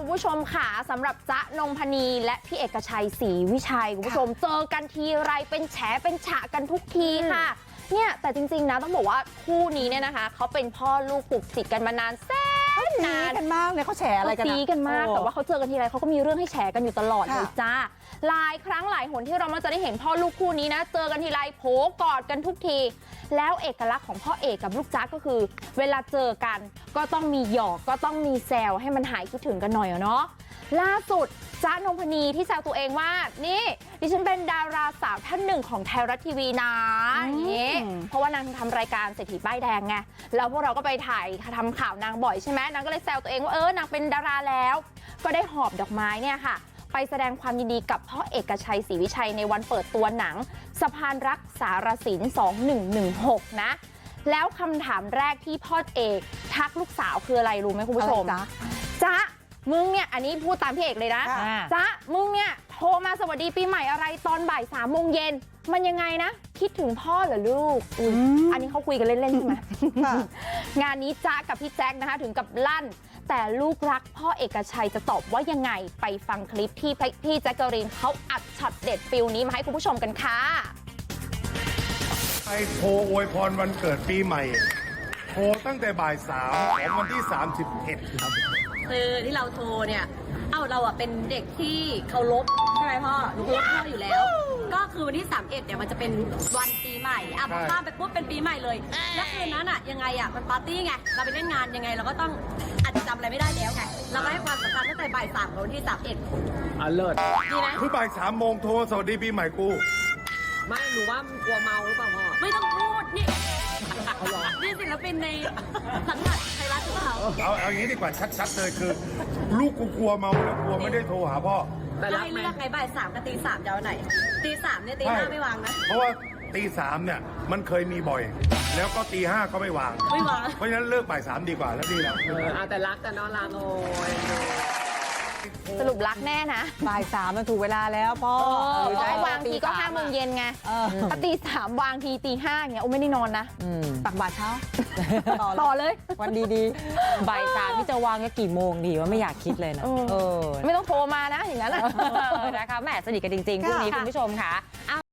คุณผู้ชมค่ะสำหรับจ๊ะนงพนีและพี่เอกชัยศรีวิชัยคุณผู้ชมเจอกันทีไรเป็นแฉเป็นฉะกันทุกทีค่ะเนี่ยแต่จริงๆนะต้องบอกว่าคู่นี้เนี่ยนะคะเขาเป็นพ่อลูกปลูกจิตกันมานานแสนนานกันมากเลยเขาแฉอะไรกันซีกันมากแต่ว่าเขาเจอกันทีไรเขาก็มีเรื่องให้แฉกันอยู่ตลอดเลยจ้าหลายครั้งหลายหนที่เรามักจะได้เห็นพ่อลูกคู่นี้นะเจอกันทีไรโผกอดกันทุกทีแล้วเอกลักษณ์ของพ่อเอกกับลูกจ๊ะก็คือเวลาเจอกันก็ต้องมีหยอกก็ต้องมีแซวให้มันหายคิดถึงกันหน่อยเนาะล่าสุดจ๊ะนงพนีที่แซวตัวเองว่านี่ดิฉันเป็นดาราสาวท่านหนึ่งของไทยรัฐทีวีนะอย่างนี้เพราะว่านางทำรายการเศรษฐีป้ายแดงไงแล้วพวกเราก็ไปถ่ายทำข่าวนางบ่อยใช่ไหมนางก็เลยแซวตัวเองว่านางเป็นดาราแล้วก็ได้หอบดอกไม้เนี่ยค่ะไปแสดงความยินดีกับพ่อเอกชัยศรีวิชัยในวันเปิดตัวหนังสะพานรักสารสิน2116นะแล้วคำถามแรกที่พ่อเอกทักลูกสาวคืออะไรรู้ไหมคุณผู้ชมจ๊ะมึงเนี่ยอันนี้พูดตามพี่เอกเลยนะจ๊ะมึงเนี่ยโทรมาสวัสดีปีใหม่อะไรตอนบ่าย3 โมงเย็นมันยังไงนะคิดถึงพ่อเหรอลูกอันนี้เขาคุยกันเล่นๆใช่ไหมงานนี้จ๊ะกับพี่แจ็คนะคะถึงกับลั่นแต่ลูกรักพ่อเอกชัยจะตอบว่ายังไงไปฟังคลิปที่พี่แจ็คเกอรีนเขาอัดช็อตเด็ดฟิลนี้มาให้คุณผู้ชมกันค่ะไอโทรอวยพรวันเกิดปีใหม่โทรตั้งแต่บ่าย3ของวันที่31ครับคือที่เราโทรเนี่ยเราอะเป็นเด็กที่เคารพใช่ไหมพ่อหนูเคารพพ่ออยู่แล้วก็คือวันที่31เนี่ยมันจะเป็นวันปีใหม่พอข้ามไปปุ๊บเป็นปีใหม่เลยแล้วคืนนั้นอะยังไงอะมันปาร์ตี้ไงเราไปเล่นงานยังไงเราก็ต้องอาจจะจำอะไรไม่ได้แล้วไงเราก็ให้ความสำคัญตั้งแต่บ่าย3ของวันที่31 เลิศดีไหมคือบ่าย3 โมงโทรสวัสดีปีใหม่กูไม่หนูว่ามันกลัวเมาหรือเปล่าพ่อไม่ต้องพูดนี่นี่ศิลปินในสังกัดไทยรัฐหรือเปล่าเอาอย่างนี้ดีกว่าชัดๆเลยคือลูกกูกลัวเมาแล้วกลัวไม่ได้โทรหาพ่อแต่ให้เลือกไงบ่าย3กับตี 3จะเอาไหนตี 3เนี่ยตี 5ไม่วางนะเพราะว่าตี 3เนี่ยมันเคยมีบ่อยแล้วก็ตี 5ก็ไม่วางเพราะฉะนั้นเลิกบ่าย3ดีกว่าแล้วดีแล้วแต่รักกันเนาะลาโง่สรุปรักแน่นะบ่าย3มันถูกเวลาแล้วพ่อวางทีก็5 โมงเย็นไงถ้าตี 3วางทีตี 5เงี้ยไม่ได้นอนนะตักบาตรเช้าต่อเลยวันดีๆบ่าย3นี่จะวางกี่โมงดีว่าไม่อยากคิดเลยนะไม่ต้องโทรมานะอย่างนั้นนะคะแหมสนิทกันจริงๆคู่นี้คุณผู้ชมค่ะ